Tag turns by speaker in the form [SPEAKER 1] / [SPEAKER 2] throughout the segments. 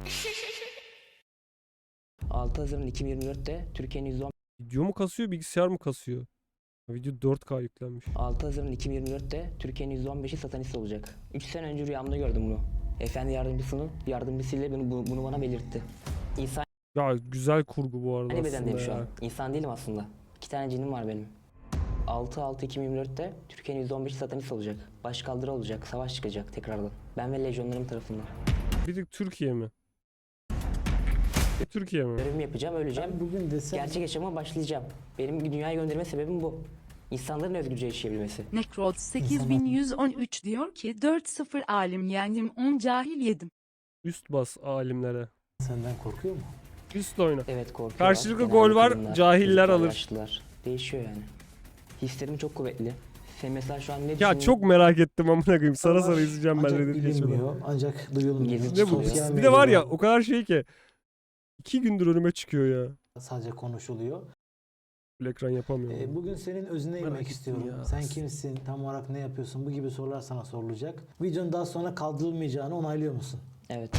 [SPEAKER 1] 6 Haziran 2024'te Türkiye'nin %10
[SPEAKER 2] Video mu kasıyor, bilgisayar mı kasıyor? Video 4K yüklenmiş.
[SPEAKER 1] 6 Haziran 2024'te Türkiye'nin %15'i satanist olacak. 3 sene önce rüyamda gördüm bunu. Efendi yardımcısıyla bunu bana belirtti. İnsan
[SPEAKER 2] Ya güzel kurgu bu arada
[SPEAKER 1] bedendeyim
[SPEAKER 2] aslında
[SPEAKER 1] şu an.
[SPEAKER 2] ya.
[SPEAKER 1] İnsan değilim aslında. 2 tane cinim var benim. 6-6-2024'te Türkiye'nin %15'i satanist olacak. Başkaldırı olacak, savaş çıkacak tekrardan. Ben ve lejyonlarım tarafından.
[SPEAKER 2] Bir de Türkiye mi? Türkiye mi?
[SPEAKER 1] Görevimi yapacağım, öleceğim.
[SPEAKER 3] Ben bugün desem
[SPEAKER 1] Gerçek yaşama başlayacağım. Benim dünyaya gönderme sebebim bu. İnsanların özgürce yaşayabilmesi.
[SPEAKER 4] Necrod 8113 diyor ki 4-0 alim yendim 10 cahil yedim.
[SPEAKER 2] Üst bas alimlere.
[SPEAKER 3] senden korkuyor mu?
[SPEAKER 2] Üst oyna.
[SPEAKER 1] Evet, korkuyorlar.
[SPEAKER 2] Karşılıklı
[SPEAKER 1] Genelde
[SPEAKER 2] gol var,
[SPEAKER 1] kadınlar,
[SPEAKER 2] cahiller
[SPEAKER 1] çocuklar,
[SPEAKER 2] alır.
[SPEAKER 1] yaşlılar. Değişiyor yani. Hislerim çok kuvvetli. Sen mesela şu an ne
[SPEAKER 2] Ya
[SPEAKER 1] düşünüyorsun?
[SPEAKER 2] çok merak ettim amına koyayım. Sara sara
[SPEAKER 3] Var,
[SPEAKER 2] izleyeceğim ben
[SPEAKER 3] ancak
[SPEAKER 2] Reddit geçmeden.
[SPEAKER 3] bilinmiyor, ancak duyulmuyor.
[SPEAKER 1] Gezi
[SPEAKER 2] Ne bu?
[SPEAKER 1] Sosyal
[SPEAKER 2] Bir de var ya
[SPEAKER 3] medyada
[SPEAKER 2] o kadar şey ki. 2 gündür önüme çıkıyor ya.
[SPEAKER 3] sadece konuşuluyor.
[SPEAKER 2] Full ekran yapamıyorum.
[SPEAKER 3] Bugün senin özüne
[SPEAKER 2] Merak
[SPEAKER 3] inmek
[SPEAKER 2] ettim
[SPEAKER 3] istiyorum.
[SPEAKER 2] ya.
[SPEAKER 3] Sen kimsin? Tam olarak ne yapıyorsun? Bu gibi sorular sana sorulacak. Videonun daha sonra kaldırılmayacağını onaylıyor musun?
[SPEAKER 1] Evet.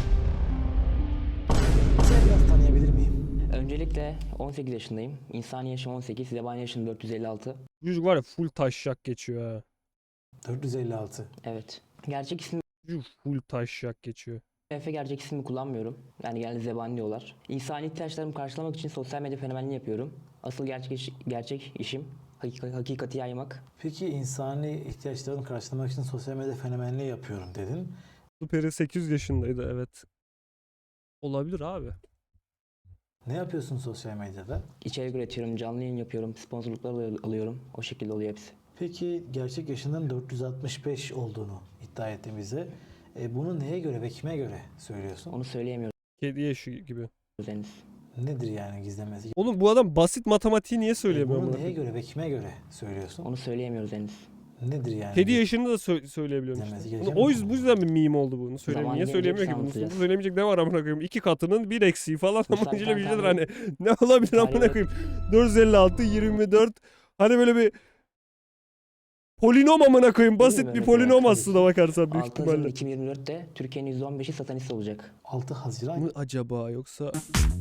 [SPEAKER 3] Seni biraz tanıyabilir miyim?
[SPEAKER 1] Öncelikle 18 yaşındayım. İnsani yaşım 18, zebani yaşım 456.
[SPEAKER 2] Çocuk var ya full taşşak geçiyor ha.
[SPEAKER 3] 456.
[SPEAKER 1] Evet. Gerçek ismim
[SPEAKER 2] Çocuk full taşşak geçiyor.
[SPEAKER 1] Efe, gerçek ismimi kullanmıyorum. Yani genelde zebani diyorlar. İnsani ihtiyaçlarımı karşılamak için sosyal medya fenomenliği yapıyorum. Asıl gerçek işim hakikati yaymak.
[SPEAKER 3] Peki insani ihtiyaçlarını karşılamak için sosyal medya fenomenliği yapıyorum dedin.
[SPEAKER 2] Superi 800 yaşındaydı evet. Olabilir abi.
[SPEAKER 3] Ne yapıyorsun sosyal medyada?
[SPEAKER 1] İçerik üretiyorum, canlı yayın yapıyorum, sponsorluklar alıyorum. O şekilde oluyor hepsi.
[SPEAKER 3] Peki gerçek yaşının 465 olduğunu iddia ettiğimizde bunu neye göre ve kime göre söylüyorsun?
[SPEAKER 1] Onu söyleyemiyoruz
[SPEAKER 2] Kedi yaşı gibi.
[SPEAKER 1] henüz.
[SPEAKER 3] Nedir yani gizlemesi?
[SPEAKER 2] Oğlum bu adam basit matematiği niye söyleyemiyor?
[SPEAKER 3] Bunu
[SPEAKER 2] amına
[SPEAKER 3] neye
[SPEAKER 2] koyayım?
[SPEAKER 3] göre ve kime göre söylüyorsun?
[SPEAKER 1] Onu söyleyemiyoruz henüz.
[SPEAKER 3] Nedir yani?
[SPEAKER 2] Kedi yaşını da söyleyebiliyorum
[SPEAKER 3] Demesi
[SPEAKER 2] işte.
[SPEAKER 3] gereken
[SPEAKER 2] O
[SPEAKER 3] bir
[SPEAKER 2] yüzden,
[SPEAKER 3] konu.
[SPEAKER 2] bu yüzden bir meme oldu bunu.
[SPEAKER 1] Zamanı
[SPEAKER 2] Niye
[SPEAKER 1] gelince
[SPEAKER 2] söyleyemiyor ki
[SPEAKER 1] hepsini
[SPEAKER 2] bunu?
[SPEAKER 1] anlatacağız.
[SPEAKER 2] Söylemeyecek ne var amına koyayım? 2 katının 1 eksiği falan
[SPEAKER 1] Bu
[SPEAKER 2] ama bir şeydir
[SPEAKER 1] zaten
[SPEAKER 2] hani. Ne olabilir amına
[SPEAKER 1] Tarihe-
[SPEAKER 2] koyayım? 456, 24. Hani böyle bir polinom amına koyayım. Basit
[SPEAKER 1] mi?
[SPEAKER 2] bir
[SPEAKER 1] Evet,
[SPEAKER 2] polinom
[SPEAKER 3] tabii
[SPEAKER 2] aslında bakarsan büyük
[SPEAKER 1] 6 Haziran
[SPEAKER 2] ihtimalle.
[SPEAKER 1] 2024'te Türkiye'nin %15'i satanist olacak.
[SPEAKER 3] 6 Haziran
[SPEAKER 2] Mı acaba yoksa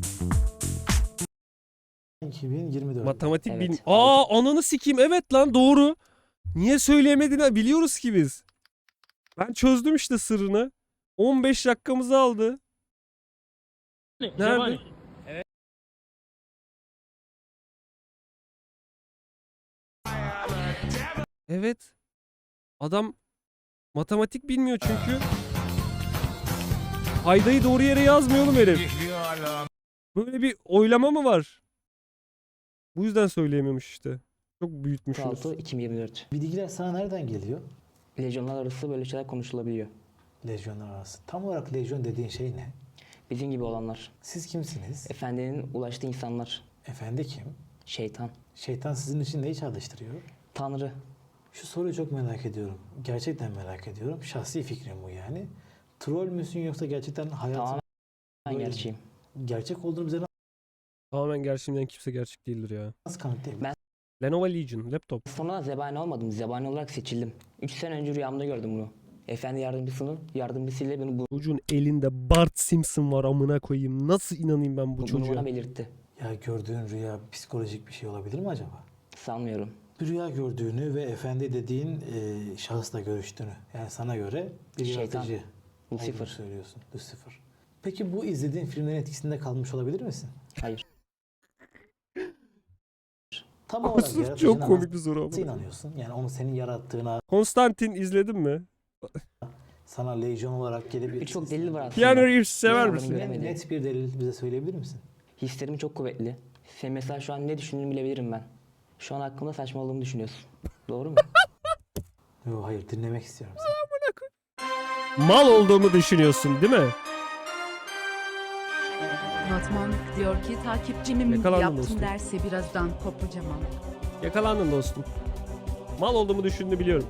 [SPEAKER 3] 2024.
[SPEAKER 2] matematik
[SPEAKER 1] Evet.
[SPEAKER 2] bin... Ananı sikeyim evet lan doğru. Niye söyleyemediğini biliyoruz ki biz. Ben çözdüm işte sırrını. 15 dakikamızı aldı. Nerede? Evet. Adam matematik bilmiyor çünkü. Paydayı doğru yere yazmıyor oğlum herif. Böyle bir oylama mı var? Bu yüzden söyleyemiyormuş işte. Çok büyütmüşsünüz.
[SPEAKER 1] 6 2024.
[SPEAKER 3] Bilgiler sana nereden geliyor?
[SPEAKER 1] Lejyonlar arası böyle şeyler konuşulabiliyor.
[SPEAKER 3] Lejyonlar arası. Tam olarak lejyon dediğin şey ne?
[SPEAKER 1] Bizim gibi olanlar.
[SPEAKER 3] Siz kimsiniz?
[SPEAKER 1] Efendinin ulaştığı insanlar.
[SPEAKER 3] Efendi kim?
[SPEAKER 1] Şeytan.
[SPEAKER 3] Şeytan sizin için neyi çağrıştırıyor?
[SPEAKER 1] Tanrı.
[SPEAKER 3] Şu soruyu çok merak ediyorum. Gerçekten merak ediyorum. Şahsi fikrim bu yani. Troll müsün yoksa gerçekten hayatın
[SPEAKER 1] Tamamen
[SPEAKER 3] böyle
[SPEAKER 1] gerçeğim.
[SPEAKER 3] gerçek olduğunu bize
[SPEAKER 2] Tamamen gerçekten kimse gerçek değildir ya.
[SPEAKER 3] nasıl kanıtlayabilir?
[SPEAKER 2] Lenovo Legion laptop.
[SPEAKER 1] Sonra zebani olmadım. Zebani olarak seçildim. 3 sene önce rüyamda gördüm bunu. Efendi yardımcısıyla
[SPEAKER 2] Çocuğun elinde Bart Simpson var amına koyayım. Nasıl inanayım ben bu
[SPEAKER 1] bunu
[SPEAKER 2] çocuğa?
[SPEAKER 1] bana belirtti.
[SPEAKER 3] Ya gördüğün rüya psikolojik bir şey olabilir mi acaba?
[SPEAKER 1] Sanmıyorum.
[SPEAKER 3] Bir rüya gördüğünü ve efendi dediğin şahısla görüştüğünü. Yani sana göre bir
[SPEAKER 1] Şeytan.
[SPEAKER 3] yaratıcı olduğunu
[SPEAKER 1] Lucifer.
[SPEAKER 3] söylüyorsun. Lucifer. Peki bu izlediğin filmlerin etkisinde kalmış olabilir misin?
[SPEAKER 1] Hayır.
[SPEAKER 3] Tam olarak
[SPEAKER 2] Sırf
[SPEAKER 3] yaratıcına
[SPEAKER 2] çok komik bir soru
[SPEAKER 3] nasıl
[SPEAKER 2] ama.
[SPEAKER 3] inanıyorsun? Yani onu senin yarattığına,
[SPEAKER 2] Konstantin izledin mi?
[SPEAKER 3] sana lejyon olarak gelip
[SPEAKER 1] Birçok delil var aslında.
[SPEAKER 2] Keanu Reeves sever
[SPEAKER 1] Insanların
[SPEAKER 2] misin?
[SPEAKER 1] göremediği.
[SPEAKER 3] net bir delil bize söyleyebilir misin?
[SPEAKER 1] Hislerim çok kuvvetli. Sen mesela şu an ne düşündüğünü bilebilirim ben. Şu an hakkında saçmaladığımı düşünüyorsun. Doğru mu?
[SPEAKER 3] Yok hayır dinlemek istiyorum seni.
[SPEAKER 2] Mal olduğumu düşünüyorsun değil mi?
[SPEAKER 4] Notman diyor ki takipçinim
[SPEAKER 2] Yakalandın
[SPEAKER 4] yaptım
[SPEAKER 2] dostum.
[SPEAKER 4] derse birazdan kopacağım ama.
[SPEAKER 2] Yakalandın dostum. Mal olduğumu düşündüğünü biliyorum.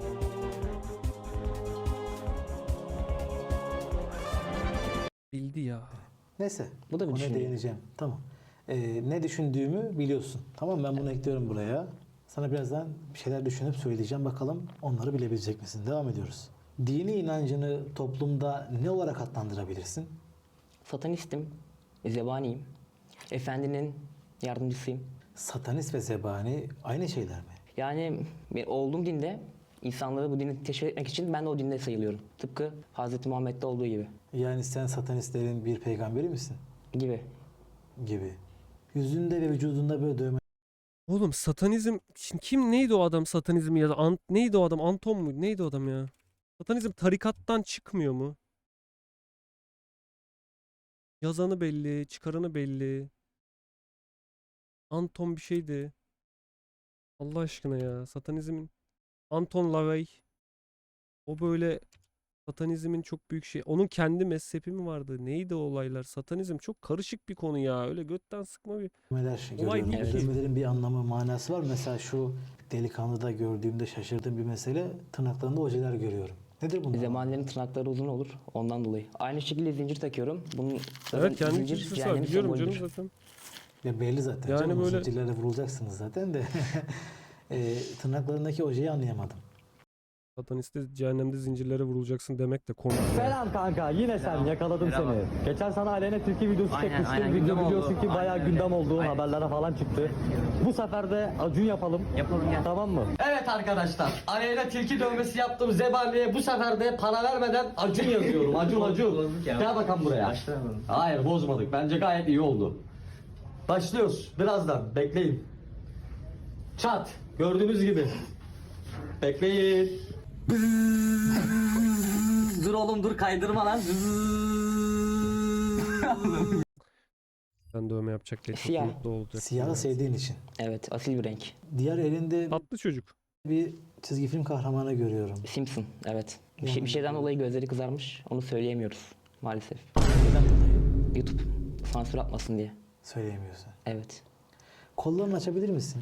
[SPEAKER 2] Bildi ya.
[SPEAKER 3] Neyse.
[SPEAKER 1] Bu da bir
[SPEAKER 3] Ona
[SPEAKER 1] düşünce.
[SPEAKER 3] değineceğim. Tamam. Ne düşündüğümü biliyorsun. Tamam ben bunu ekliyorum buraya. Sana birazdan bir şeyler düşünüp söyleyeceğim. Bakalım onları bilebilecek misin? Devam ediyoruz. Dini inancını toplumda ne olarak adlandırabilirsin?
[SPEAKER 1] Satanistim, zebaniyim. Efendinin yardımcısıyım.
[SPEAKER 3] Satanist ve zebani aynı şeyler mi?
[SPEAKER 1] Yani olduğum dinde insanları bu dini teşvik etmek için ben de o dinde sayılıyorum. Tıpkı Hz. Muhammed'de olduğu gibi.
[SPEAKER 3] Yani sen satanistlerin bir peygamberi misin?
[SPEAKER 1] Gibi.
[SPEAKER 3] Gibi. Yüzünde ve vücudunda böyle dövme
[SPEAKER 2] Oğlum satanizm şimdi kim neydi o adam satanizm ya da neydi o adam Anton mu neydi o adam ya? Satanizm tarikattan çıkmıyor mu? Yazanı belli, çıkaranı belli. Anton bir şeydi. Allah aşkına ya satanizmin Anton LaVey. O böyle satanizmin çok büyük şey. Onun kendi mezhepi mi vardı? Neydi o olaylar? Satanizm çok karışık bir konu ya. Öyle götten sıkma bir.
[SPEAKER 3] dövmeler
[SPEAKER 2] Olay
[SPEAKER 3] görüyorum.
[SPEAKER 2] değil
[SPEAKER 3] Bu
[SPEAKER 1] ki.
[SPEAKER 3] dövmelerin bir anlamı, manası var. Mesela şu delikanlıda gördüğümde şaşırdığım bir mesele, tırnaklarında ojeler görüyorum. Nedir bunlar?
[SPEAKER 1] Zebanilerin tırnakları uzun olur ondan dolayı. Aynı şekilde zincir takıyorum. Bunun
[SPEAKER 2] Evet kendi
[SPEAKER 1] zincir
[SPEAKER 2] kilisesi var.
[SPEAKER 1] cehennemin
[SPEAKER 2] Biliyorum canım
[SPEAKER 1] sembolüdür.
[SPEAKER 2] zaten.
[SPEAKER 3] Ya belli zaten.
[SPEAKER 2] Yani
[SPEAKER 3] canım, o
[SPEAKER 2] böyle-
[SPEAKER 3] zincirlerle vurulacaksınız zaten de. Tırnaklarındaki ojeyi anlayamadım.
[SPEAKER 2] Sataniste cehennemde zincirlere vurulacaksın demek de komik.
[SPEAKER 5] Selam kanka, yine sen, yakaladım seni. Geçen sana Aleyna Tilki videosu
[SPEAKER 1] Aynen,
[SPEAKER 5] çekmiştim.
[SPEAKER 1] aynen,
[SPEAKER 5] Video
[SPEAKER 1] gündem
[SPEAKER 5] biliyorsun
[SPEAKER 1] oldu.
[SPEAKER 5] ki bayağı
[SPEAKER 1] Aynen,
[SPEAKER 5] gündem
[SPEAKER 1] öyle.
[SPEAKER 5] olduğu
[SPEAKER 1] Aynen.
[SPEAKER 5] haberlere falan çıktı. Bu sefer de Acun yapalım.
[SPEAKER 1] Yapalım gel.
[SPEAKER 5] Tamam mı? Evet arkadaşlar, Aleyna Tilki dövmesi yaptım Zebani'ye. Bu sefer de para vermeden Acun yazıyorum. Acun. Gel bakalım buraya. Hayır bozmadık. Bence gayet iyi oldu. Başlıyoruz. Birazdan. Bekleyin. Çat. Gördüğünüz gibi. Bekleyin. Dur oğlum dur kaydırma lan.
[SPEAKER 2] Ben dövme yapacak diye çok
[SPEAKER 1] Siyah.
[SPEAKER 2] mutlu olacak.
[SPEAKER 3] Siyahı sevdiğin için.
[SPEAKER 1] Evet, asil bir renk.
[SPEAKER 3] Diğer elinde
[SPEAKER 2] Tatlı çocuk.
[SPEAKER 3] bir çizgi film kahramanı görüyorum.
[SPEAKER 1] Simpson, evet.
[SPEAKER 3] Yani-
[SPEAKER 1] Bir şeyden dolayı gözleri kızarmış. Onu söyleyemiyoruz maalesef.
[SPEAKER 3] Neden dolayı?
[SPEAKER 1] YouTube sansür atmasın diye.
[SPEAKER 3] Söyleyemiyorsun.
[SPEAKER 1] Evet.
[SPEAKER 3] Kollarını açabilir misin?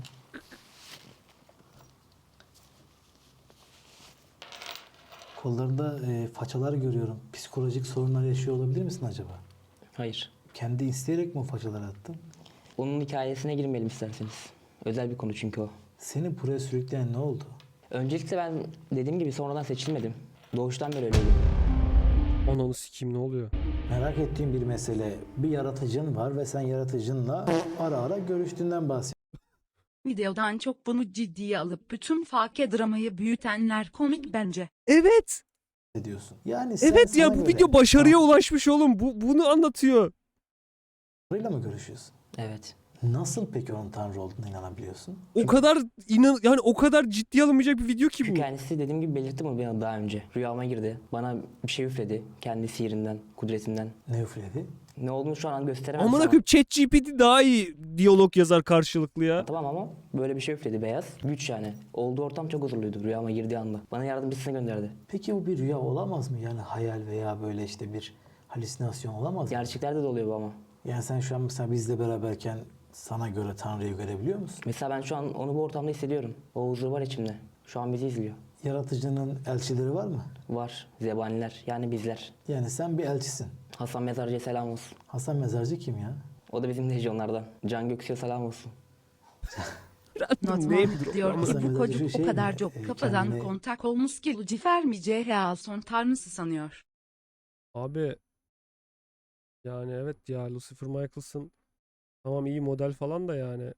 [SPEAKER 3] Kollarında façalar görüyorum. Psikolojik sorunlar yaşıyor olabilir misin acaba?
[SPEAKER 1] Hayır.
[SPEAKER 3] Kendi isteyerek mi o façaları attın?
[SPEAKER 1] Onun hikayesine girmeyelim isterseniz. Özel bir konu çünkü o.
[SPEAKER 3] Seni buraya sürükleyen ne oldu?
[SPEAKER 1] Öncelikle ben dediğim gibi sonradan seçilmedim. Doğuştan beri öyleydim.
[SPEAKER 2] Ananı sikeyim ne oluyor?
[SPEAKER 3] Merak ettiğim bir mesele. Bir yaratıcın var ve sen yaratıcınla ara ara görüştüğünden
[SPEAKER 4] Videodan çok bunu ciddiye alıp bütün fake dramayı büyütenler komik bence.
[SPEAKER 2] Evet.
[SPEAKER 3] bahsediyorsun. Yani sen
[SPEAKER 2] Evet ya
[SPEAKER 3] sana
[SPEAKER 2] bu
[SPEAKER 3] göre
[SPEAKER 2] video başarıya ulaşmış oğlum. Bunu anlatıyor.
[SPEAKER 3] Tanrı'yla mı görüşüyorsun?
[SPEAKER 1] Evet.
[SPEAKER 3] Nasıl peki onun Tanrı olduğuna inanabiliyorsun?
[SPEAKER 2] O kadar yani o kadar ciddiye alınmayacak bir video ki
[SPEAKER 1] Çünkü
[SPEAKER 2] bu.
[SPEAKER 1] kendisi dediğim gibi belirtti bunu bana daha önce. Rüyama girdi. Bana bir şey üfledi. Kendi sihirinden, kudretinden.
[SPEAKER 3] Ne üfledi?
[SPEAKER 1] Ne olduğunu şu an gösteremem
[SPEAKER 2] Amına
[SPEAKER 1] sana.
[SPEAKER 2] koyayım ChatGPT daha iyi diyalog yazar karşılıklı ya.
[SPEAKER 1] Tamam ama böyle bir şey üfledi beyaz. Güç yani. Olduğu ortam çok huzurluydu rüyama girdiği anda. Bana yardımcısını gönderdi.
[SPEAKER 3] Peki bu bir rüya olamaz mı? Yani hayal veya böyle işte bir halüsinasyon olamaz mı?
[SPEAKER 1] Gerçeklerde de oluyor bu ama.
[SPEAKER 3] Yani sen şu an mesela bizle beraberken sana göre Tanrı'yı görebiliyor musun?
[SPEAKER 1] Mesela ben şu an onu bu ortamda hissediyorum. O huzur var içimde. Şu an bizi izliyor.
[SPEAKER 3] Yaratıcının elçileri var mı?
[SPEAKER 1] Var. Zebaniler. Yani bizler.
[SPEAKER 3] Yani sen bir elçisin.
[SPEAKER 1] Hasan Mezarcı'ya selam olsun.
[SPEAKER 3] Hasan Mezarcı kim ya?
[SPEAKER 1] O da bizim lejyonlardan. Can Göksu'ya selam olsun.
[SPEAKER 4] Notman
[SPEAKER 2] Name
[SPEAKER 4] diyor
[SPEAKER 3] Ama
[SPEAKER 4] ki
[SPEAKER 3] sen
[SPEAKER 4] bu
[SPEAKER 3] böyle
[SPEAKER 4] çocuk
[SPEAKER 3] bir şey
[SPEAKER 4] o kadar
[SPEAKER 3] mi?
[SPEAKER 4] çok kafadan
[SPEAKER 3] Kendine-
[SPEAKER 4] kontak olmuş ki Lucifer mi CHA son tanrısı sanıyor.
[SPEAKER 2] Abi yani evet ya Lucifer Michaels'ın tamam iyi model falan da yani.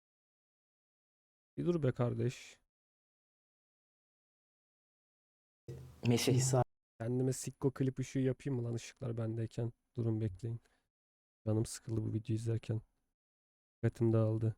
[SPEAKER 2] Bir dur be kardeş.
[SPEAKER 1] Mesih.
[SPEAKER 3] İsa
[SPEAKER 2] Kendime sikko klip ışığı yapayım mı lan ışıklar bendeyken? Durun bekleyin. Canım sıkıldı bu videoyu izlerken. Dikkatim dağıldı.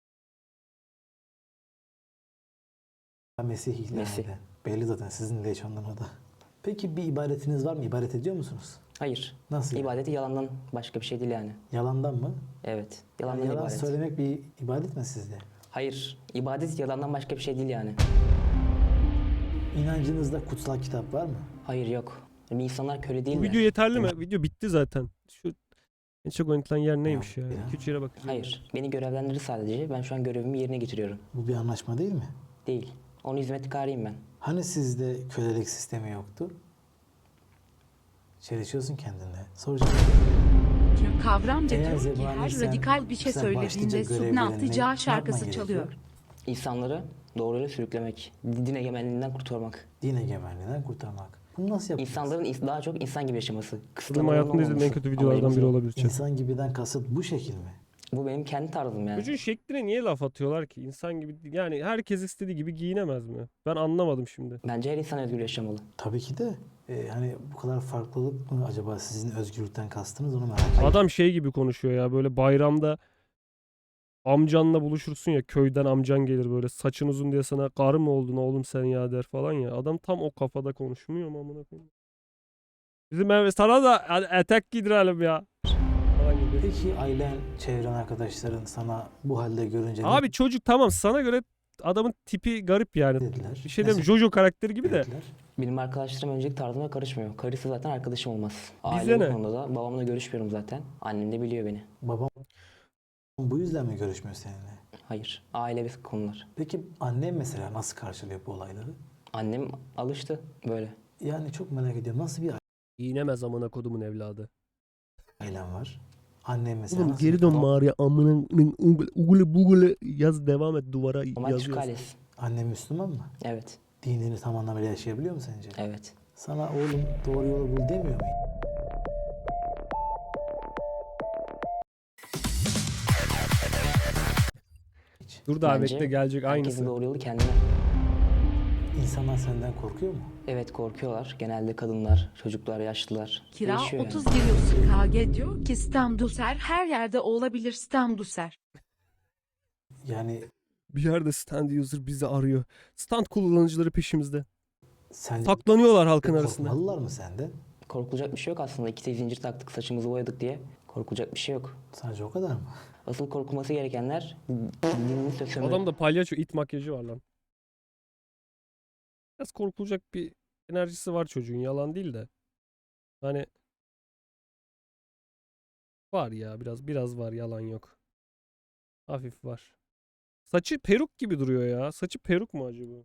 [SPEAKER 3] Mesih ilan
[SPEAKER 1] Mesih.
[SPEAKER 3] eden. Belli zaten sizin lejyondan o da. Peki bir ibadetiniz var mı? İbadet ediyor musunuz?
[SPEAKER 1] Hayır.
[SPEAKER 3] Nasıl? yani?
[SPEAKER 1] İbadeti yalandan başka bir şey değil yani.
[SPEAKER 3] Yalandan mı?
[SPEAKER 1] Evet.
[SPEAKER 3] Yani
[SPEAKER 1] Yalandan
[SPEAKER 3] yalan
[SPEAKER 1] ibadet.
[SPEAKER 3] söylemek bir ibadet mi sizde?
[SPEAKER 1] Hayır. İbadet yalandan başka bir şey değil yani.
[SPEAKER 3] İnancınızda kutsal kitap var mı?
[SPEAKER 1] Hayır yok. Yani insanlar köle değil
[SPEAKER 2] Bu
[SPEAKER 1] mi?
[SPEAKER 2] video yeterli mi? Video bitti zaten. Şu en çok oynatılan yer neymiş ya?
[SPEAKER 3] Ya.
[SPEAKER 2] 2-3 yere bakacağım.
[SPEAKER 1] Hayır. Beni görevlendirir sadece. Ben şu an görevimi yerine getiriyorum.
[SPEAKER 3] Bu bir anlaşma değil mi?
[SPEAKER 1] Değil. Onun hizmetkarıyım ben.
[SPEAKER 3] Hani sizde kölelik sistemi yoktu? Çelişiyorsun kendinle. Soracağım.
[SPEAKER 4] Çünkü kavramca
[SPEAKER 3] Eğer
[SPEAKER 4] diyor ki
[SPEAKER 3] zebani
[SPEAKER 4] her
[SPEAKER 3] sen-
[SPEAKER 4] radikal bir şey
[SPEAKER 3] sen
[SPEAKER 4] söylediğinde
[SPEAKER 3] başlıca
[SPEAKER 4] Subna
[SPEAKER 3] görevlerini
[SPEAKER 4] Attıcağı
[SPEAKER 3] ne
[SPEAKER 4] şarkısı
[SPEAKER 3] yapman
[SPEAKER 4] çalıyor.
[SPEAKER 3] gerekiyor?
[SPEAKER 1] İnsanları doğru yola sürüklemek. Din egemenliğinden kurtarmak.
[SPEAKER 3] Din egemenliğinden kurtarmak. Bunu nasıl yapacağız?
[SPEAKER 1] İnsanların daha çok insan gibi yaşaması.
[SPEAKER 2] Benim
[SPEAKER 1] Kısıtlamaların
[SPEAKER 2] hayatımda izlediğim en
[SPEAKER 1] olmaması
[SPEAKER 2] kötü videolardan
[SPEAKER 1] amacımız
[SPEAKER 2] biri
[SPEAKER 1] o.
[SPEAKER 2] olabilir. chat.
[SPEAKER 3] İnsan gibiden kasıt bu şekil mi?
[SPEAKER 1] Bu benim kendi tarzım yani.
[SPEAKER 2] Çocuğun şekline niye laf atıyorlar ki? İnsan gibi yani herkes istediği gibi giyinemez mi? Ben anlamadım şimdi.
[SPEAKER 1] Bence her insan özgür yaşamalı.
[SPEAKER 3] Tabii ki de. Hani bu kadar farklılık mı acaba sizin özgürlükten kastınız onu merak ediyorum.
[SPEAKER 2] Adam şey gibi konuşuyor ya, böyle bayramda amcanla buluşursun ya, köyden amcan gelir böyle saçın uzun diye sana karı mı oldun oğlum sen ya der falan ya. Adam tam o kafada konuşmuyor mu amına koyayım? Bizim ev sana da etek giydirelim ya. Falan gibi.
[SPEAKER 3] Peki ailen, çevren, arkadaşların sana bu halde görünce
[SPEAKER 2] Abi çocuk tamam, sana göre adamın tipi garip yani.
[SPEAKER 3] ne dediler?
[SPEAKER 2] Bir şey
[SPEAKER 3] Ne
[SPEAKER 2] demiyorum, Jojo karakteri gibi de.
[SPEAKER 3] söylediler?
[SPEAKER 1] Benim arkadaşlarım öncelik tarzıma karışmıyor. Karısı zaten arkadaşım olmaz.
[SPEAKER 2] Bize
[SPEAKER 1] Aile
[SPEAKER 2] ne?
[SPEAKER 1] bu konuda da babamla görüşmüyorum zaten. Annem de biliyor beni.
[SPEAKER 3] Babam bu yüzden mi görüşmüyor seninle?
[SPEAKER 1] Hayır. Aile bir konular.
[SPEAKER 3] Peki annem mesela nasıl karşılıyor bu olayları?
[SPEAKER 1] Annem alıştı böyle.
[SPEAKER 3] Yani çok merak ediyorum. Nasıl bir
[SPEAKER 2] Giyinemez amına kodumun evladı.
[SPEAKER 3] ailen var? Annem mesela
[SPEAKER 2] Oğlum
[SPEAKER 3] nasıl
[SPEAKER 2] geri
[SPEAKER 3] bir
[SPEAKER 2] dön
[SPEAKER 3] kadın?
[SPEAKER 2] mağaraya amına ugule bugule yaz, devam et, duvara
[SPEAKER 1] Ama Türk
[SPEAKER 2] yazıyorsun.
[SPEAKER 1] ailesi.
[SPEAKER 3] Annem Müslüman mı?
[SPEAKER 1] Evet.
[SPEAKER 3] Dinini tam anlamıyla yaşayabiliyor mu sence?
[SPEAKER 1] Evet.
[SPEAKER 3] Sana oğlum doğru yolu bul demiyor mu?
[SPEAKER 2] Dur daha
[SPEAKER 1] Bence
[SPEAKER 2] bekle, gelecek
[SPEAKER 1] herkesin
[SPEAKER 2] aynısı.
[SPEAKER 1] doğru yolu kendine.
[SPEAKER 3] İnsanlar senden korkuyor mu?
[SPEAKER 1] Evet, korkuyorlar. Genelde kadınlar, çocuklar, yaşlılar.
[SPEAKER 4] Kira
[SPEAKER 1] Değişiyor
[SPEAKER 4] 30
[SPEAKER 1] yani.
[SPEAKER 4] giriyorsun KG diyor ki Stamduser her yerde olabilir Stamduser.
[SPEAKER 3] Yani
[SPEAKER 2] Bir yerde stand user bizi arıyor. Stand kullanıcıları peşimizde.
[SPEAKER 3] sen
[SPEAKER 2] Saklanıyorlar halkın arasında.
[SPEAKER 3] korkmalılar mı senden?
[SPEAKER 1] Korkulacak bir şey yok aslında. İki zincir taktık, saçımızı boyadık diye. Korkulacak bir şey yok.
[SPEAKER 3] Sadece o kadar mı?
[SPEAKER 1] Asıl korkulması gerekenler dinini sömürü.
[SPEAKER 2] Adamda palyaço it makyajı var lan. Biraz korkulacak bir enerjisi var çocuğun, yalan değil de. Hani var ya, biraz var, yalan yok. Hafif var. Saçı peruk gibi duruyor ya. Saçı peruk mu acaba?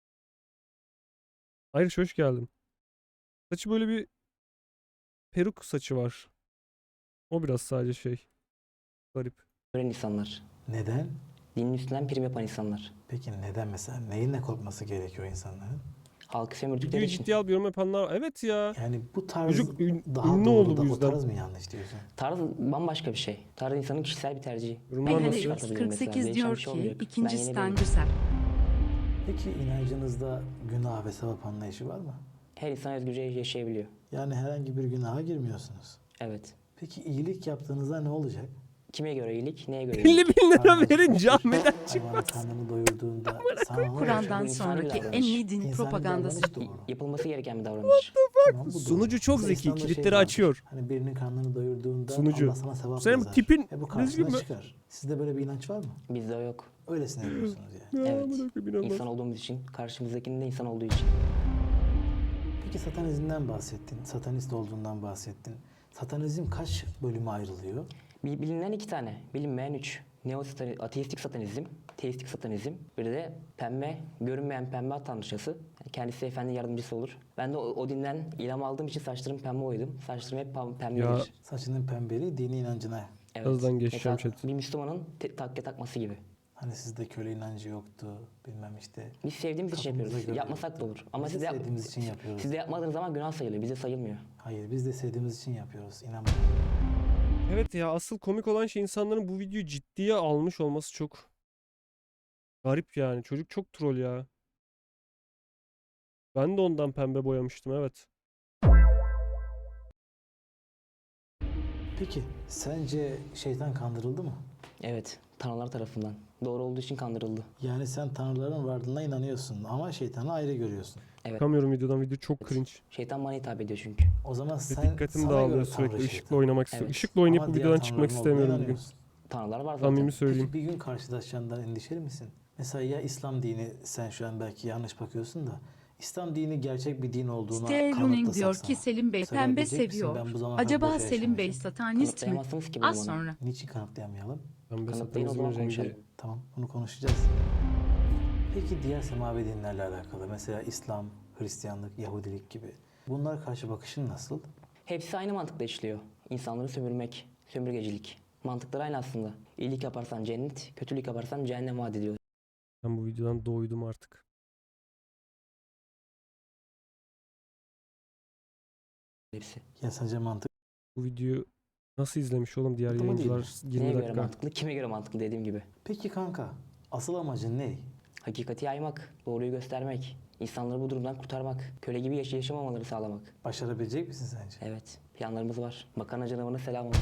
[SPEAKER 2] Hayır, hoş geldin. Saçı böyle bir peruk saçı var. O biraz sadece şey. Garip.
[SPEAKER 1] insanlar.
[SPEAKER 3] Neden?
[SPEAKER 1] Dinin üstünden prim yapan insanlar.
[SPEAKER 3] Peki neden mesela? Neyinle korkması gerekiyor insanların?
[SPEAKER 1] Halkı sömürdükleri
[SPEAKER 2] Videoyu
[SPEAKER 1] için.
[SPEAKER 2] ciddiye al, yorum yapanlar. Evet ya.
[SPEAKER 3] Yani bu tarz
[SPEAKER 2] Çocuk
[SPEAKER 3] daha
[SPEAKER 2] ünlü
[SPEAKER 3] doğru
[SPEAKER 2] oldu
[SPEAKER 3] da
[SPEAKER 2] bu
[SPEAKER 3] o
[SPEAKER 2] yüzden.
[SPEAKER 3] tarz mı yanlış diyorsun?
[SPEAKER 1] Tarz bambaşka bir şey. Tarz insanın kişisel bir tercihi.
[SPEAKER 2] Yorumlar
[SPEAKER 4] Mehmet
[SPEAKER 2] nasıl?
[SPEAKER 1] çıkartabilirim mesela.
[SPEAKER 4] 48
[SPEAKER 1] Değişen
[SPEAKER 4] diyor
[SPEAKER 1] bir şey
[SPEAKER 4] ki
[SPEAKER 1] olmayacak.
[SPEAKER 4] ikinci
[SPEAKER 1] Ben yeni
[SPEAKER 4] Stamduser.
[SPEAKER 3] Peki inancınızda günah ve sevap anlayışı var mı?
[SPEAKER 1] Her insan özgürce yaşayabiliyor.
[SPEAKER 3] Yani herhangi bir günaha girmiyorsunuz.
[SPEAKER 1] Evet.
[SPEAKER 3] Peki iyilik yaptığınızda ne olacak?
[SPEAKER 1] Kime göre iyilik, neye göre
[SPEAKER 2] 50
[SPEAKER 1] iyilik?
[SPEAKER 2] bin lira
[SPEAKER 3] Karnınız
[SPEAKER 2] verin
[SPEAKER 3] acıkır,
[SPEAKER 2] camiden çık.
[SPEAKER 3] hayvanın karnını doyurduğunda sana ne olacak?
[SPEAKER 4] Kur'an'dan
[SPEAKER 1] Bu insan bir
[SPEAKER 4] sonraki en
[SPEAKER 1] davranış.
[SPEAKER 4] iyi din
[SPEAKER 3] İnsani
[SPEAKER 4] propagandası.
[SPEAKER 3] davranış doğru.
[SPEAKER 1] Yapılması gereken bir davranış.
[SPEAKER 3] Tamam, bu doğru.
[SPEAKER 2] Sunucu çok
[SPEAKER 3] Mesela
[SPEAKER 2] zeki,
[SPEAKER 3] İslam'da şey
[SPEAKER 2] kilitleri
[SPEAKER 3] vardır.
[SPEAKER 2] açıyor.
[SPEAKER 3] Hani birinin karnını doyurduğunda
[SPEAKER 2] Sunucu.
[SPEAKER 3] Allah sana sevap
[SPEAKER 2] Senin
[SPEAKER 3] yazar.
[SPEAKER 2] tipin
[SPEAKER 3] Bu
[SPEAKER 2] düzgün
[SPEAKER 3] karşına
[SPEAKER 2] mü?
[SPEAKER 3] çıkar. Sizde böyle bir inanç var mı?
[SPEAKER 1] Bizde o yok.
[SPEAKER 3] Öylesine yapıyorsunuz yani.
[SPEAKER 1] Evet.
[SPEAKER 2] amına koyayım, inanılmaz.
[SPEAKER 1] İnsan olduğumuz için, karşımızdakinin de insan olduğu için.
[SPEAKER 3] Peki satanizmden bahsettin. Satanist olduğundan bahsettin. Satanizm kaç bölüme ayrılıyor?
[SPEAKER 1] Bilinen 2 tane, bilinmeyen 3. Ateistik satanizm, teistik satanizm, bir de pembe, görünmeyen pembe at tanrıçası. Yani kendisi efendi yardımcısı olur. Ben de o dinden ilham aldığım için saçlarım pembe boyadım. Saçlarım hep pembedir.
[SPEAKER 2] Ya.
[SPEAKER 3] Saçının pembeliği dini inancına.
[SPEAKER 1] Evet.
[SPEAKER 2] Birazdan geçeceğim
[SPEAKER 1] Mesela
[SPEAKER 2] chat.
[SPEAKER 1] bir Müslümanın takke takması gibi.
[SPEAKER 3] Hani sizde köle inancı yoktu. Bilmem işte.
[SPEAKER 1] Biz sevdiğimiz için
[SPEAKER 3] Kafamıza
[SPEAKER 1] yapıyoruz.
[SPEAKER 3] göre
[SPEAKER 1] Yapmasak da olur. Ama
[SPEAKER 3] Biz
[SPEAKER 1] siz
[SPEAKER 3] de
[SPEAKER 1] de,
[SPEAKER 3] sevdiğimiz için yapıyoruz.
[SPEAKER 1] siz de yapmadığınız zaman günah sayılıyor. Bize sayılmıyor.
[SPEAKER 3] Hayır biz de sevdiğimiz için yapıyoruz. İnan
[SPEAKER 2] Evet ya, asıl komik olan şey insanların bu videoyu ciddiye almış olması çok garip yani. Çocuk çok troll ya. Ben de ondan pembe boyamıştım, evet.
[SPEAKER 3] Peki sence şeytan kandırıldı mı?
[SPEAKER 1] Evet, tanrılar tarafından. Doğru olduğu için kandırıldı.
[SPEAKER 3] Yani sen tanrıların varlığına inanıyorsun ama şeytanı ayrı görüyorsun.
[SPEAKER 1] Evet.
[SPEAKER 2] Çıkamıyorum videodan, video çok cringe.
[SPEAKER 1] Şeytan bana hitap ediyor çünkü.
[SPEAKER 3] O zaman
[SPEAKER 2] Ve
[SPEAKER 3] sen
[SPEAKER 2] dikkatim
[SPEAKER 3] sana
[SPEAKER 2] dağılıyor
[SPEAKER 3] göre
[SPEAKER 2] sürekli.
[SPEAKER 3] tanrı
[SPEAKER 2] Işıkla
[SPEAKER 3] şeytan.
[SPEAKER 2] oynamak istiyorum.
[SPEAKER 1] Evet.
[SPEAKER 2] Işıkla oynayıp
[SPEAKER 3] Ama
[SPEAKER 2] bu
[SPEAKER 3] diğer
[SPEAKER 2] videodan çıkmak
[SPEAKER 3] tanrıların olduğuna
[SPEAKER 2] istemiyorum bugün.
[SPEAKER 3] inanıyorsun.
[SPEAKER 1] Tanrılar var zaten.
[SPEAKER 2] Samimi söyleyeyim.
[SPEAKER 3] Peki bir gün karşılaşacağından endişeli misin? Mesela ya İslam dini, sen şu an belki yanlış bakıyorsun da İslam dini gerçek bir din olduğuna
[SPEAKER 4] Stay Running
[SPEAKER 3] kanıtlasak
[SPEAKER 4] diyor
[SPEAKER 3] sana.
[SPEAKER 4] ki Selim Bey
[SPEAKER 3] Mesela
[SPEAKER 4] pembe
[SPEAKER 3] diyecek misin,
[SPEAKER 4] seviyor.
[SPEAKER 3] ben bu zamana kadar
[SPEAKER 4] Acaba
[SPEAKER 3] boşa
[SPEAKER 4] Selim Bey
[SPEAKER 3] yaşamışım.
[SPEAKER 4] satanist mi?
[SPEAKER 1] Kanıtlayamazsınız ki bunu
[SPEAKER 4] Az
[SPEAKER 1] bana.
[SPEAKER 4] sonra.
[SPEAKER 3] Niçin kanıtlayamayalım?
[SPEAKER 2] Pembe
[SPEAKER 1] Kanıtlayın o
[SPEAKER 2] satanizmin
[SPEAKER 1] zaman
[SPEAKER 2] rengi.
[SPEAKER 1] konuşalım.
[SPEAKER 3] Tamam, bunu konuşacağız. Peki diğer semavi dinlerle alakalı, mesela İslam, Hristiyanlık, Yahudilik gibi. Bunlara karşı bakışın nasıl?
[SPEAKER 1] Hepsi aynı mantıkla işliyor. İnsanları sömürmek, sömürgecilik. Mantıkları aynı aslında. İyilik yaparsan cennet, kötülük yaparsan cehennem vaat ediyor.
[SPEAKER 2] Ben bu videodan doydum artık.
[SPEAKER 1] hepsi.
[SPEAKER 3] Ya sence mantıklı
[SPEAKER 2] Bu videoyu nasıl izlemiş oğlum diğer
[SPEAKER 3] Mantıklı mı değil mi?
[SPEAKER 2] yayıncılar 20
[SPEAKER 1] Neye göre
[SPEAKER 2] dakika.
[SPEAKER 1] mantıklı, kime göre mantıklı dediğim gibi.
[SPEAKER 3] Peki kanka, asıl amacın ne?
[SPEAKER 1] Hakikati yaymak, doğruyu göstermek, insanları bu durumdan kurtarmak, köle gibi yaşamamaları sağlamak.
[SPEAKER 3] Başarabilecek misin sence?
[SPEAKER 1] Evet, planlarımız var. Makarna canavarına selam olsun.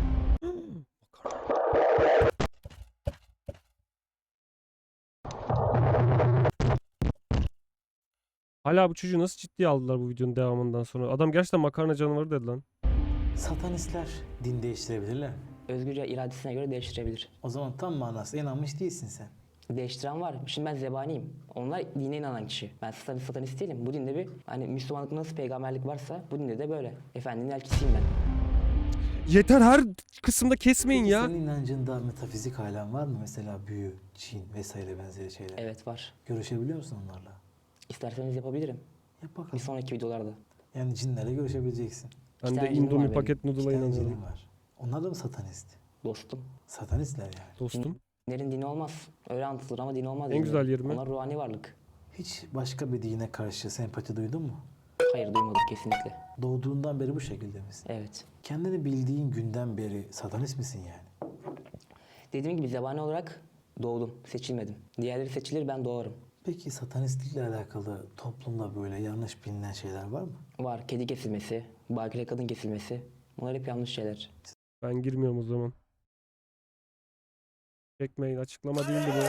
[SPEAKER 2] Hala bu çocuğu nasıl ciddiye aldılar bu videonun devamından sonra? Adam gerçekten makarna canavarı dedi lan.
[SPEAKER 3] Satanistler din değiştirebilirler mi?
[SPEAKER 1] Özgürce iradesine göre değiştirebilir.
[SPEAKER 3] O zaman tam manasıyla inanmış değilsin sen.
[SPEAKER 1] Değiştiren var. Şimdi ben zebaniyim. onlar dine inanan kişi. Ben satanist değilim. Bu dinde bir hani Müslümanlık nasıl peygamberlik varsa bu dinde de böyle. Efendinin elçisiyim ben.
[SPEAKER 2] Yeter, her kısımda kesmeyin
[SPEAKER 3] Peki
[SPEAKER 2] ya.
[SPEAKER 3] senin inancında metafizik alem var mı? Mesela büyü, cin vesaire benzeri şeyler.
[SPEAKER 1] Evet var.
[SPEAKER 3] Görüşebiliyor musun onlarla?
[SPEAKER 1] İsterseniz yapabilirim.
[SPEAKER 3] Yap
[SPEAKER 1] Bir
[SPEAKER 3] bakalım.
[SPEAKER 1] sonraki videolarda.
[SPEAKER 3] Yani cinlerle görüşebileceksin.
[SPEAKER 2] Ben
[SPEAKER 1] İki
[SPEAKER 2] de
[SPEAKER 1] tane cinim var
[SPEAKER 2] Indomie
[SPEAKER 1] benim.
[SPEAKER 2] paket
[SPEAKER 3] İki
[SPEAKER 2] noodle'a
[SPEAKER 3] tane
[SPEAKER 2] inanıyorum.
[SPEAKER 3] cinin var. Onlar da mı satanist?
[SPEAKER 1] Dostum.
[SPEAKER 3] Satanistler yani.
[SPEAKER 2] Dostum.
[SPEAKER 1] Dinlerin dini olmaz. Öyle anlatılır ama din olmaz.
[SPEAKER 2] En
[SPEAKER 1] dinlerin.
[SPEAKER 2] güzel yeri mi?
[SPEAKER 1] Onlar ruhani varlık.
[SPEAKER 3] Hiç başka bir dine karşı sempati duydun mu?
[SPEAKER 1] Hayır duymadım kesinlikle.
[SPEAKER 3] Doğduğundan beri bu şekilde misin?
[SPEAKER 1] Evet.
[SPEAKER 3] Kendini bildiğin günden beri satanist misin yani?
[SPEAKER 1] Dediğim gibi zebani olarak doğdum. Seçilmedim. Diğerleri seçilir ben doğarım.
[SPEAKER 3] Peki satanistlikle alakalı toplumda böyle yanlış bilinen şeyler var mı?
[SPEAKER 1] Var kedi kesilmesi, bakire kadın kesilmesi. Bunlar hep yanlış şeyler.
[SPEAKER 2] Ben girmiyorum o zaman. Çekmeyin, açıklama değildi bu.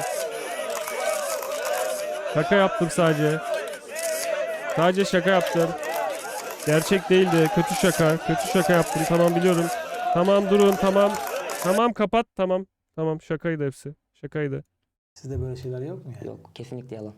[SPEAKER 2] Şaka yaptım sadece. Sadece şaka yaptım. Gerçek değildi. Kötü şaka. Kötü şaka yaptım. Tamam, biliyorum. Tamam, durun, tamam. Tamam, kapat, tamam. Tamam, şakaydı hepsi. Şakaydı.
[SPEAKER 3] Sizde böyle şeyler yok mu yani?
[SPEAKER 1] Yok kesinlikle yalan.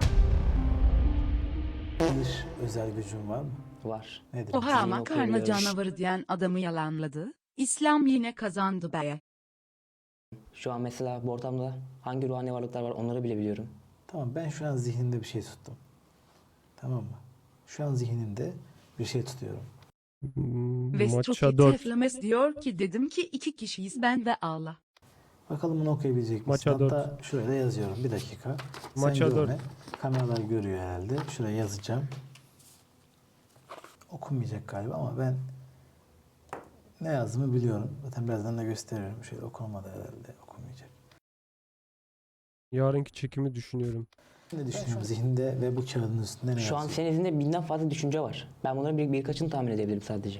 [SPEAKER 3] Bir özel gücün var mı?
[SPEAKER 1] Var.
[SPEAKER 3] Nedir?
[SPEAKER 4] Oha
[SPEAKER 1] Zihin
[SPEAKER 4] makarna
[SPEAKER 1] okuyabiliyorum.
[SPEAKER 4] canavarı diyen adamı yalanladı. İslam yine kazandı be.
[SPEAKER 1] Şu an mesela bu ortamda hangi ruhani varlıklar var onları bile biliyorum.
[SPEAKER 3] Tamam, ben şu an zihnimde bir şey tuttum. Tamam mı? Şu an zihnimde bir şey tutuyorum.
[SPEAKER 2] Maça
[SPEAKER 4] Vestroki
[SPEAKER 2] 4.
[SPEAKER 4] Teflemes diyor ki dedim ki 2 kişiyiz ben ve Allah.
[SPEAKER 3] Bakalım bunu okuyabilecek misin?
[SPEAKER 2] Maça
[SPEAKER 3] Hatta şuraya da yazıyorum. Bir dakika. Sen
[SPEAKER 2] Maça
[SPEAKER 3] görme. Kameralar görüyor herhalde. Şuraya yazacağım. Okunmayacak galiba ama ben ne yazdığımı biliyorum. Zaten birazdan da gösteriyorum. Şöyle okunmadı herhalde. Okunmayacak.
[SPEAKER 2] Yarınki çekimi düşünüyorum.
[SPEAKER 3] Ne düşünüyorum zihninde ve bu kağıdın üstünde ne
[SPEAKER 1] Şu an
[SPEAKER 3] yazıyor?
[SPEAKER 1] senin izinde binden fazla düşünce var. Ben bunların birkaçını tahmin edebilirim sadece.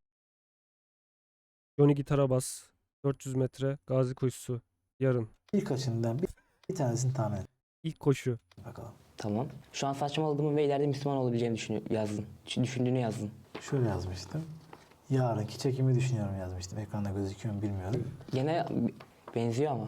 [SPEAKER 2] Johnny gitara bas. 400 metre. Gazi koşusu. Yarın.
[SPEAKER 3] Birkaçından bir tanesini tahmin et
[SPEAKER 2] İlk koşu.
[SPEAKER 3] bakalım.
[SPEAKER 1] Tamam. Şu an saçmaladığımı ve ileride Müslüman olabileceğimi yazdın. Düşündüğünü yazdın.
[SPEAKER 3] Şöyle yazmıştım. Yarınki çekimi düşünüyorum yazmıştım. Ekranda gözüküyor mu bilmiyorum.
[SPEAKER 1] Gene benziyor ama.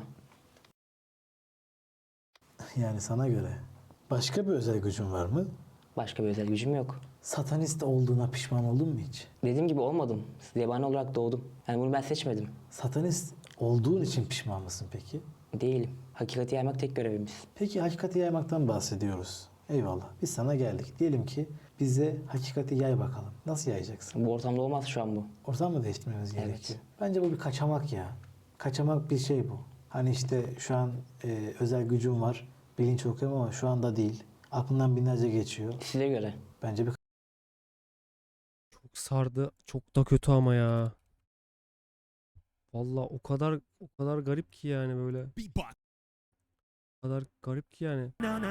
[SPEAKER 3] Yani sana göre. Başka bir özel gücün var mı?
[SPEAKER 1] Başka bir özel gücüm yok.
[SPEAKER 3] Satanist olduğuna pişman oldun mu hiç?
[SPEAKER 1] Dediğim gibi olmadım. Zebani olarak doğdum. Yani bunu ben seçmedim.
[SPEAKER 3] Satanist olduğun için pişman mısın peki?
[SPEAKER 1] Değilim. Hakikati yaymak tek görevimiz.
[SPEAKER 3] Peki hakikati yaymaktan bahsediyoruz. Eyvallah. Biz sana geldik. Diyelim ki bize hakikati yay bakalım. Nasıl yayacaksın?
[SPEAKER 1] Bu ortamda olmaz şu an bu.
[SPEAKER 3] Ortam mı değiştirmemiz
[SPEAKER 1] Evet.
[SPEAKER 3] gerekiyor? Bence bu bir kaçamak ya. Kaçamak bir şey bu. Hani işte şu an özel gücüm var. Bilinç okuyorum ama şu anda değil. Aklından binlerce geçiyor.
[SPEAKER 1] Size göre.
[SPEAKER 3] Bence bir
[SPEAKER 2] Çok sardı. Çok da kötü ama ya. Vallahi o kadar garip ki yani böyle. O kadar garip ki yani.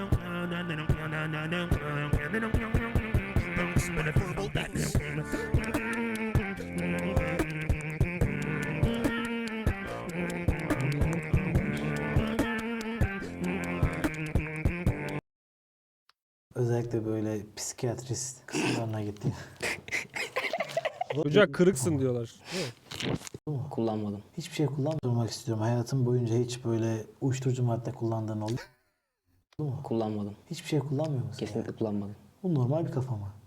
[SPEAKER 3] özellikle böyle psikiyatrist kısımlarına gitti.
[SPEAKER 2] Çocuğa kırıksın diyorlar. Değil mi?
[SPEAKER 1] Kullanmadım.
[SPEAKER 3] Hiçbir şey kullanmamak istiyorum. Hayatım boyunca hiç böyle uyuşturucu madde kullandığın oldu mu?
[SPEAKER 1] Kullanmadım.
[SPEAKER 3] Hiçbir şey kullanmıyor musun?
[SPEAKER 1] Kesinlikle
[SPEAKER 3] yani?
[SPEAKER 1] kullanmadım.
[SPEAKER 3] Bu normal bir kafa mı?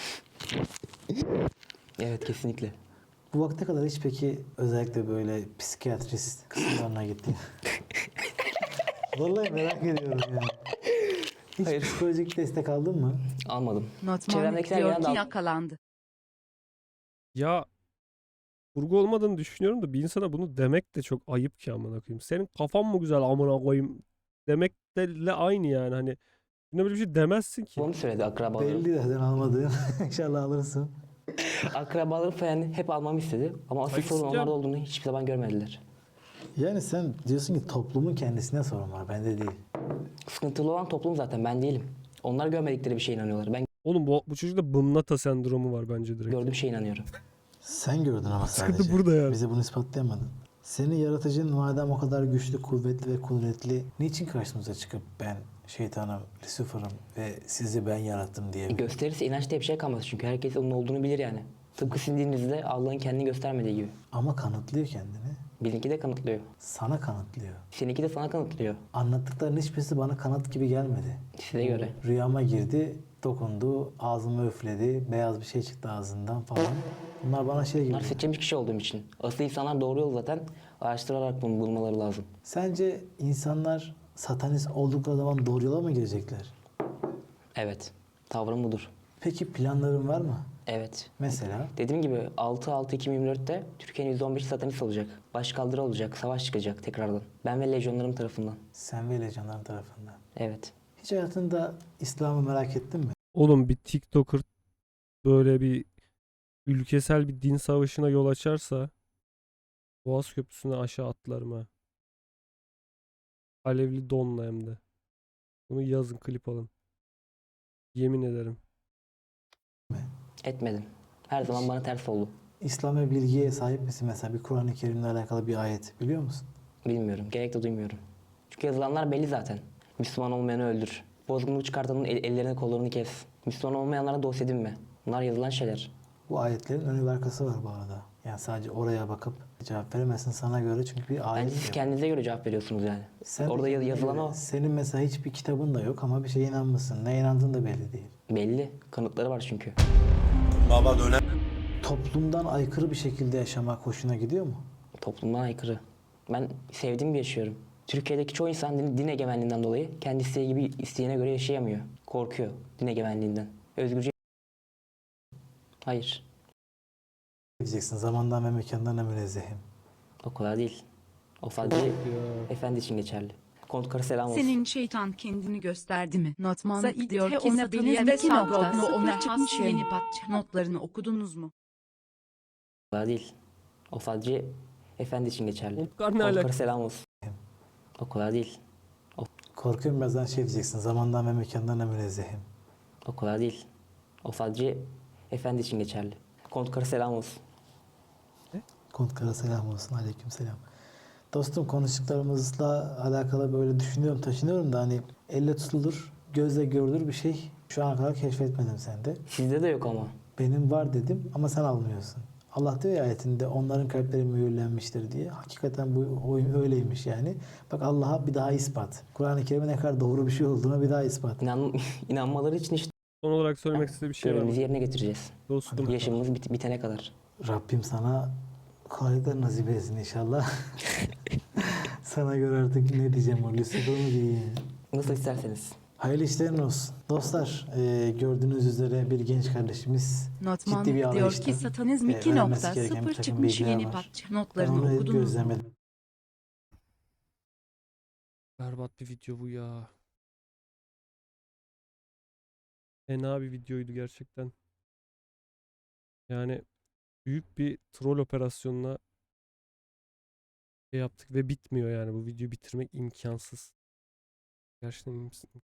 [SPEAKER 1] Evet kesinlikle.
[SPEAKER 3] Bu vakte kadar hiç peki özellikle böyle psikiyatrist kısımlarına gittin? Vallahi merak ediyorum ya. Hiç
[SPEAKER 1] Hayır.
[SPEAKER 3] psikolojik destek aldın mı?
[SPEAKER 1] Almadım.
[SPEAKER 4] Notman
[SPEAKER 1] Çevremdekiler
[SPEAKER 4] diyor
[SPEAKER 1] genelde
[SPEAKER 4] ki
[SPEAKER 1] al-
[SPEAKER 4] yakalandı.
[SPEAKER 2] Ya kurgu olmadığını düşünüyorum da bir insana bunu demek de çok ayıp ki amına koyayım. Senin kafan mı güzel amına koyayım demek de aynı yani hani. Yine böyle bir şey demezsin ki.
[SPEAKER 1] Bunu söyledi akrabalarım.
[SPEAKER 3] Belli zaten almadığın. İnşallah alırsın.
[SPEAKER 1] Akrabaları falan hep almamı istedi. Ama asıl
[SPEAKER 2] Hayır,
[SPEAKER 1] sorun
[SPEAKER 2] isteyeceğim.
[SPEAKER 1] onlarda olduğunu hiçbir zaman görmediler.
[SPEAKER 3] Yani sen diyorsun ki toplumun kendisine sorun var, bende değil.
[SPEAKER 1] Sıkıntılı olan toplum zaten, ben değilim. Onlar görmedikleri bir şeye inanıyorlar. Ben
[SPEAKER 2] Oğlum bu çocukta bımnata sendromu var bence direkt.
[SPEAKER 1] gördüğüm şeye inanıyorum.
[SPEAKER 3] Sen gördün ama
[SPEAKER 2] Sıkıntı
[SPEAKER 3] sadece.
[SPEAKER 2] burada yani.
[SPEAKER 3] Bize bunu ispatlayamadın. Senin yaratıcın madem o kadar güçlü, kuvvetli ve kudretli, niçin karşımıza çıkıp ben şeytanım, Lucifer'ım ve sizi ben yarattım diyebilir?
[SPEAKER 1] Gösterirse inanç diye bir şey kalmaz çünkü herkes onun olduğunu bilir yani. Tıpkı sizin dininizde Allah'ın kendini göstermediği gibi.
[SPEAKER 3] Ama kanıtlıyor kendini.
[SPEAKER 1] Bizimki de kanıtlıyor.
[SPEAKER 3] Sana kanıtlıyor.
[SPEAKER 1] Seninki de sana kanıtlıyor.
[SPEAKER 3] Anlattıkların hiçbirisi bana kanıt gibi gelmedi.
[SPEAKER 1] Size göre.
[SPEAKER 3] Rüyama girdi, dokundu, ağzımı üfledi, beyaz bir şey çıktı ağzından falan. Bunlar bana şey gibi.
[SPEAKER 1] Bunlar seçilmiş kişi olduğum için. Asıl insanlar doğru yol zaten araştırarak bunu bulmaları lazım.
[SPEAKER 3] Sence insanlar satanist oldukları zaman doğru yola mı girecekler?
[SPEAKER 1] Evet. Tavrım budur.
[SPEAKER 3] Peki planların var mı?
[SPEAKER 1] Evet.
[SPEAKER 3] Mesela
[SPEAKER 1] Dediğim gibi 6-6-2024'te Türkiye'nin %15'i satanist olacak. Başkaldırı olacak. Savaş çıkacak tekrardan. Ben ve lejyonlarım tarafından.
[SPEAKER 3] sen ve lecanların tarafından.
[SPEAKER 1] Evet.
[SPEAKER 3] Hiç hayatında İslam'ı merak ettin mi?
[SPEAKER 2] Oğlum bir TikToker böyle bir ülkesel bir din savaşına yol açarsa Boğaz Köprüsü'ne aşağı atlarım ha. Alevli donla hem de. Bunu yazın, klip alın. Yemin ederim.
[SPEAKER 1] Etmedim. Her zaman bana ters oldu.
[SPEAKER 3] İslam ve bilgiye sahip misin? Mesela bir Kur'an-ı Kerim'le alakalı bir ayet biliyor musun?
[SPEAKER 1] Bilmiyorum. Gerek de duymuyorum. Çünkü yazılanlar belli zaten. Müslüman olmayanı öldür. Bozgunluk çıkartanın ellerini kollarını kes. Müslüman olmayanlara dost edinme. Bunlar yazılan şeyler.
[SPEAKER 3] Bu ayetlerin önü ve arkası var bu arada. Yani sadece oraya bakıp cevap veremezsin sana göre çünkü bir ayet
[SPEAKER 1] Bence siz
[SPEAKER 3] yok.
[SPEAKER 1] kendinize göre cevap veriyorsunuz yani.
[SPEAKER 3] Sen
[SPEAKER 1] Orada
[SPEAKER 3] de kendine
[SPEAKER 1] yazılan
[SPEAKER 3] göre-
[SPEAKER 1] o.
[SPEAKER 3] Senin mesela hiçbir kitabın da yok ama bir şeye inanmışsın. Ne inandığın da belli değil.
[SPEAKER 1] Belli. Kanıtları var çünkü.
[SPEAKER 3] Toplumdan aykırı bir şekilde yaşamak hoşuna gidiyor mu?
[SPEAKER 1] Toplumdan aykırı. Ben sevdiğim gibi yaşıyorum. Türkiye'deki çoğu insan din egemenliğinden dolayı kendi isteği gibi isteğine göre yaşayamıyor. Korkuyor din egemenliğinden. Özgürce... Hayır.
[SPEAKER 3] Diyeceksin zamandan ve mekandan da münezzehim.
[SPEAKER 1] O kadar değil. O sadece
[SPEAKER 2] Ya.
[SPEAKER 1] efendi için geçerli. Kontkara selam olsun.
[SPEAKER 4] Senin şeytan kendini gösterdi mi? Notman
[SPEAKER 6] Said
[SPEAKER 4] diyor ki
[SPEAKER 6] Teona
[SPEAKER 4] satanizm
[SPEAKER 6] Bilye ve
[SPEAKER 4] 2.0
[SPEAKER 6] Sabrogno
[SPEAKER 4] ona
[SPEAKER 6] çıkmış
[SPEAKER 4] has yeni patch notlarını okudunuz mu?
[SPEAKER 1] O kadar değil. O sadece efendi için geçerli.
[SPEAKER 2] Kontkar ne
[SPEAKER 1] Kontkara
[SPEAKER 2] alaka?
[SPEAKER 1] selam olsun. O kadar değil.
[SPEAKER 3] Korkuyorum birazdan şey diyeceksin zamandan ve mekandan da münezzehim.
[SPEAKER 1] O kadar değil. O sadece efendi için geçerli. Kontkara selam olsun.
[SPEAKER 3] Kontkara selam olsun. Aleyküm selam. Dostum konuştuklarımızla alakalı böyle düşünüyorum, taşınıyorum da hani elle tutulur, gözle görülür bir şey şu ana kadar keşfetmedim sende.
[SPEAKER 1] Sizde de yok ama.
[SPEAKER 3] Benim var dedim ama sen almıyorsun. Allah diyor ya ayetinde onların kalpleri mühürlenmiştir diye. Hakikaten bu oyun öyleymiş yani. Bak Allah'a bir daha ispat. Kur'an-ı Kerim'e ne kadar doğru bir şey olduğuna bir daha ispat.
[SPEAKER 1] İnanmaları için işte
[SPEAKER 2] Son olarak söylemek istediği bir şey var mı?
[SPEAKER 1] görevimizi yerine getireceğiz.
[SPEAKER 2] Dostum.
[SPEAKER 1] Yaşamımız bitene kadar.
[SPEAKER 3] Rabbim sana kolaylıklar nasip etsin inşallah. Sana göre artık ne diyeceğim o Lucifer mı diyeyim?
[SPEAKER 1] Nasıl isterseniz.
[SPEAKER 3] Hayırlı işlerin olsun. Dostlar gördüğünüz üzere bir genç kardeşimiz
[SPEAKER 4] Notman
[SPEAKER 3] ciddi bir
[SPEAKER 4] diyor
[SPEAKER 3] arayışta.
[SPEAKER 4] ki satanizm
[SPEAKER 3] öğrenmesi gereken bir
[SPEAKER 4] 2.0
[SPEAKER 3] takım
[SPEAKER 4] çıkmış
[SPEAKER 3] bilgiler
[SPEAKER 4] yeni
[SPEAKER 3] var.
[SPEAKER 4] patch
[SPEAKER 3] Ben
[SPEAKER 4] notlarını
[SPEAKER 3] onu
[SPEAKER 4] okudunuz mu?
[SPEAKER 3] gözlemedim.
[SPEAKER 2] Berbat bir video bu ya. Fena bir videoydu gerçekten. Yani büyük bir troll operasyonuna şey yaptık ve bitmiyor yani. Bu videoyu bitirmek imkansız. Gerçekten